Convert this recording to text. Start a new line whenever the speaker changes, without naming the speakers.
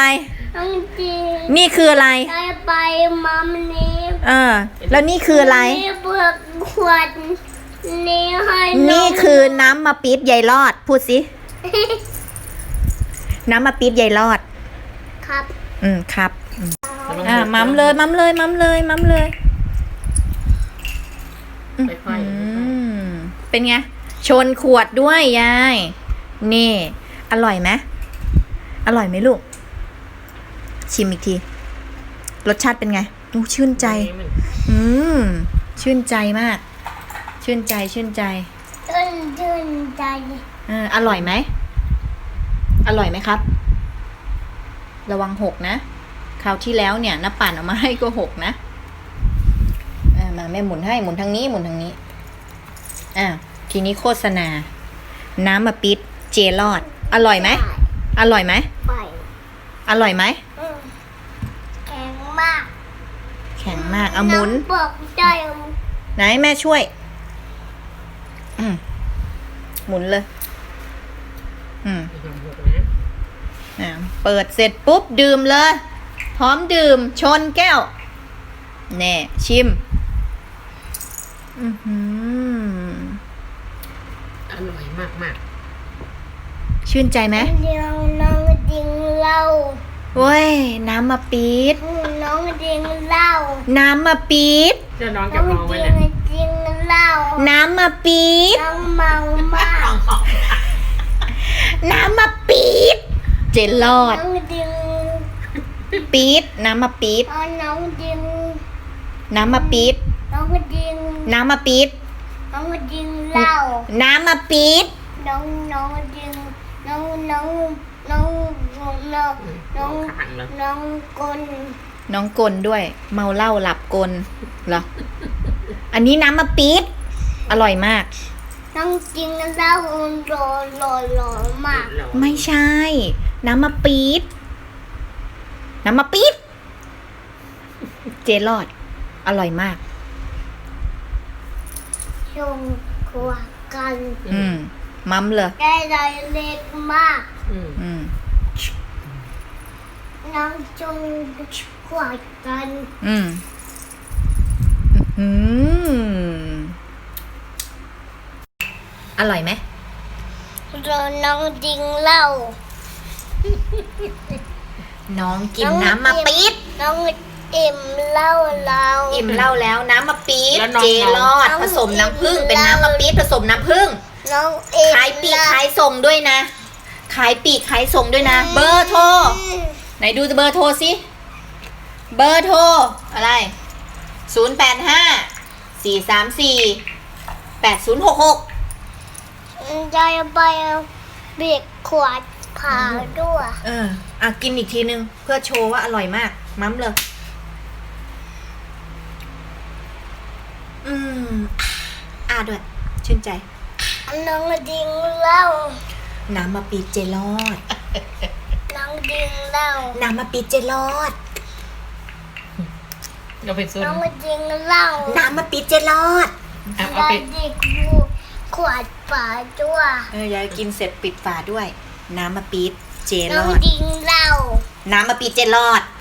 น้องจริง
นี่คืออะไร
ได้ไปมัมนี้
แล้วนี่คืออะไร
นี่เปลือกขวดนี่ให้
นี่คือน้ำมะปี๊ดยายรอดพูดสิ น้ำมะปี๊ดยายรอด
ครับ
ครับมัมเลยมัมเลยมัมเลยมัมเลยเป็นไงชนขวดด้วยยายนี่อร่อยไหมอร่อยไหมลูกชิมอีกทีรสชาติเป็นไงชื่นใจชื่นใจมากชื่นใจชื่นใจอร่อยไหมอร่อยไหมครับระวังหกนะคราวที่แล้วเนี่ยน้าปั่นเอามาให้ก็หกนะมาแม่หมุนให้หมุนทางนี้หมุนทางนี้ทีนี้โฆษณาน้ำมะปี๊ดเจลอดอร่อยไหมอร่อยไหมอร่อยไหม
แข็งมาก
แข็งมากเอาหมุน
บอกใจ
ไหนแม่ช่วยหมุนเลยเปิดเสร็จปุ๊บดื่มเลยพร้อมดื่มชนแก้วแน่ชิม
อร่อยมากมาก
ชื่นใจไหม
น้องดิงเหล้า
เว้ยน้ำมะปี๊ด
น้องดิงเหล้า
น้ำมะปี๊ด
จะน้องกับน้องไว้เลย
ดิงเหล้า
น้ำมะปี๊ด
น้องเมามาก
น้ำมะปี๊ดเจลอด
น้องดิง
ปี๊ดน้ำมะปี๊ด
น้องดิง
น้ำมะปี๊ด
น้องดิง
น้ำมะปี๊ด
น้องดิงเหล้า
น้ำมะปี๊ด
น้องดิงน้องกล
น้องกลด้วยเมาเหล้าหลับกลเหรออันนี้น้ำมะปี๊ดอร่อยมาก
น้องจริงเหล้าหล่อมาก
ไม่ใช่น้ำมะปี๊ดน้ำมะปี๊ดเจลอดอร่อยมาก
ชงขวดกัน
มัมเลย
ได้ใจเล็กมากน้องจงขวดกัน
อร่อยไหม
น้องดิงเหล้า
น้องกินน้ำมะปี๊ด
น้องอิ่มเหล้าแล้ว
อิ่มเหล้าแล้วน้ำมะปี๊ดเจลอดผสมน้ำผึ้งเป็นน้ำมะปี๊ดผสมน้ำผึ้งขายปีกขายส่งด้วยนะขายปีกขายส่งด้วยนะเบอร์โทรไหนดูเบอร์โทรสิเบอร์โทรอะไร
085-434-8066จะไปเบียกขวดผ่าด้วย
กินอีกทีนึงเพื่อโชว์ว่าอร่อยมากมั้มเลยด้วยชื่นใจ
น้องดิงเหล้า
น้ำมะปี๊ดเจลอด
น้องดิงเหล้า
น้ำมะปี๊ดเจลอด
เราไปซื้อ
น้องดิงเหล้า
น้ำมะปี๊ดเจลอด
เอาไปขวดฝาด้วย
ยายกินเสร็จปิดฝาด้วยน้ำมะปี๊ดเจลอด
น้องดิงเหล้า
น้ำมะปี๊ดเจลอด